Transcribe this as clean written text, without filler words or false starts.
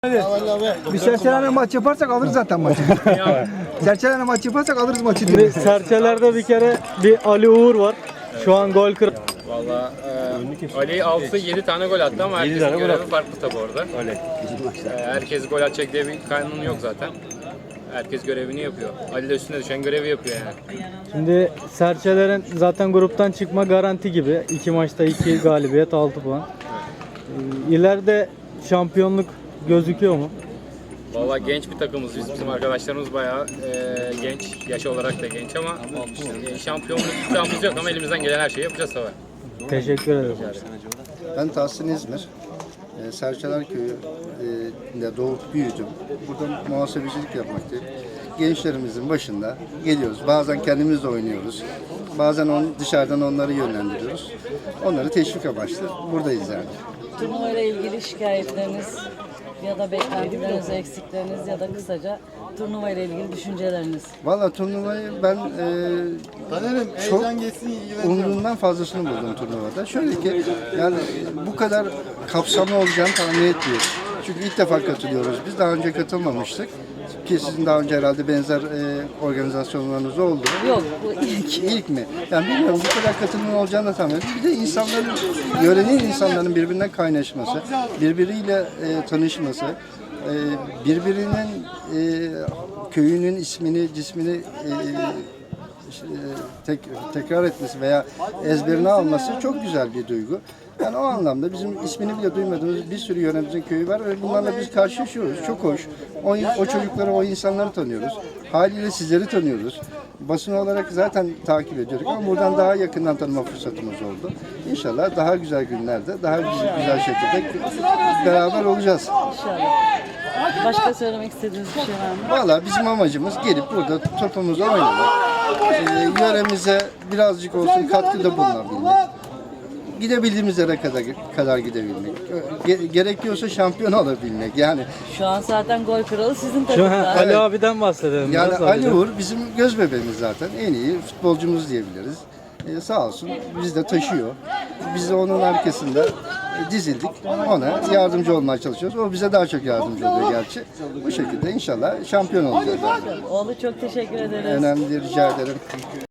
Bir serçelerle maç yaparsak alırız zaten maçı. Serçelerle maç yaparsak alırız maçı. Şimdi Serçeler'de bir kere bir Ali Uğur var. Şu an gol kır. Valla Ali 6-7 tane gol attı ama herkesin görevi farklı tabi orada. Herkes gol atacak diye bir kanun yok zaten. Herkes görevini yapıyor. Ali de üstüne düşen görevi yapıyor yani. Şimdi Serçeler'in zaten gruptan çıkma garanti gibi. 2 maçta 2 galibiyet 6 puan. İleride şampiyonluk gözüküyor mu? Valla genç bir takımız biz. Bizim arkadaşlarımız bayağı genç. Yaş olarak da genç ama şampiyonluk iddiamız yok ama elimizden gelen her şeyi yapacağız tabii. Teşekkür ederim. Ben Tahsin İzmir. Serçeler Köyü'nde doğup büyüdüm. Burada muhasebecilik yapmaktayım. Gençlerimizin başında geliyoruz. Bazen kendimiz de oynuyoruz. Bazen dışarıdan onları yönlendiriyoruz. Onları teşvik amaçlı buradayız yani. Turnuvayla ilgili şikayetleriniz ya da beklentileriniz, eksikleriniz ya da kısaca turnuvayla ilgili düşünceleriniz. Valla turnuvayı ben çok umduğumdan fazlasını buldum turnuvada. Şöyle ki yani bu kadar kapsamlı olacağını tahmin etmiyorum. Çünkü ilk defa katılıyoruz. Biz daha önce katılmamıştık. Ki sizin daha önce herhalde benzer organizasyonlarınız oldu. Yok, bu ilk. İlk mi? Yani bilmiyorum bu kadar katılımın olacağını da tahmin ediyorum. Bir de insanların, yörenin insanların birbirinden kaynaşması, birbiriyle tanışması, birbirinin köyünün ismini, cismini tekrar etmesi veya ezberine alması çok güzel bir duygu. Yani o anlamda bizim ismini bile duymadığımız bir sürü yöremizin köyü var ve bunlarla biz karşılaşıyoruz. Çok hoş. O çocukları, o insanları tanıyoruz. Haliyle sizleri tanıyoruz. Basın olarak zaten takip ediyorduk ama buradan daha yakından tanıma fırsatımız oldu. İnşallah daha güzel günlerde, daha güzel şekilde beraber olacağız. İnşallah. Başka söylemek istediğiniz bir şey var mı? Valla bizim amacımız gelip burada topumuzu oynamak. Yöremize birazcık olsun katkıda bulunabilmek. Gidebildiğimiz yere kadar gidebilmek. Gerekiyorsa şampiyon olabilmek. Yani Şu an zaten gol kralı sizin Şu takımda. Ali abiden bahsedelim. yani biraz Ali abiden. Uğur bizim göz bebeğimiz zaten. En iyi futbolcumuz diyebiliriz. Sağ olsun bizi de taşıyor. Biz de onun arkasında dizildik. Ona yardımcı olmaya çalışıyoruz. O bize daha çok yardımcı oluyor gerçi. Bu şekilde inşallah şampiyon olacağız. Oğlu çok teşekkür ederiz. Önemli, rica ederim.